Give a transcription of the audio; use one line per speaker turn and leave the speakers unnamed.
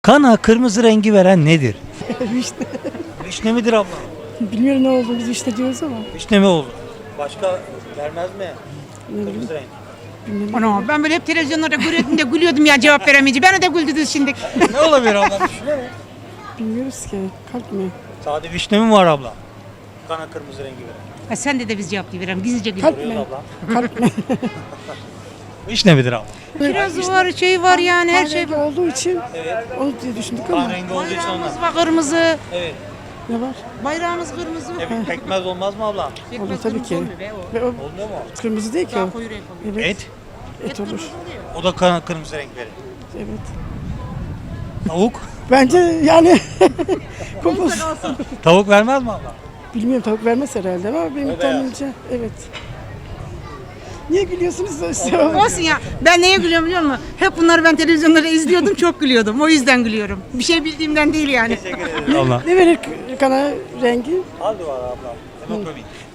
Kana kırmızı rengi veren nedir?
Vişne.
Vişne midir abla?
Bilmiyorum ne oldu, biz vişne diyoruz ama.
Vişne mi oldu? Başka vermez mi? Kırmızı renk.
Ana ben böyle hep televizyonlarda görüyordum da gülüyordum ya cevap veremeyince. Beni de güldürdünüz şimdi.
Ne olabilir abla? Vişne mi?
Bilmiyoruz ki. Kalp mi?
Sade vişne mi var abla? Kana kırmızı rengi veren.
Ha, sen de biz cevap verelim. Gizlice
Kalp
gülüyoruz.
mi?
Abla.
Kalp mi?
Vişne midir abla?
Kiraz var, şey var yani her şey
Kahverengi
var.
olduğu için onu diye düşündük ama.
Kan rengi olduğu için ondan.
Bayrağımız var kırmızı.
Evet.
Ne var?
Bayrağımız kırmızı.
Pekmez olmaz mı abla?
Pekmez
Olur tabii
kırmızı
ki.
olmuyor be o.
Ve o
Olmuyor mu?
kırmızı değil ki o.
Daha koyu renk oluyor.
Evet.
Et.
Et olur.
O da kana kırmızı renk verir.
Evet.
Tavuk.
Bence yani kompos.
Tavuk vermez mi abla?
Bilmiyorum, tavuk vermez herhalde ama benim
Öyle
tahminimce evet. Niye gülüyorsunuz?
Olsun ya. Ben neye gülüyorum biliyor musun? Hep bunları ben televizyonlarda izliyordum. Çok gülüyordum. O yüzden gülüyorum. Bir şey bildiğimden değil yani.
Teşekkür ederim abla.
Ne verir kana rengi?
Aldı var abla. Hemoglobin.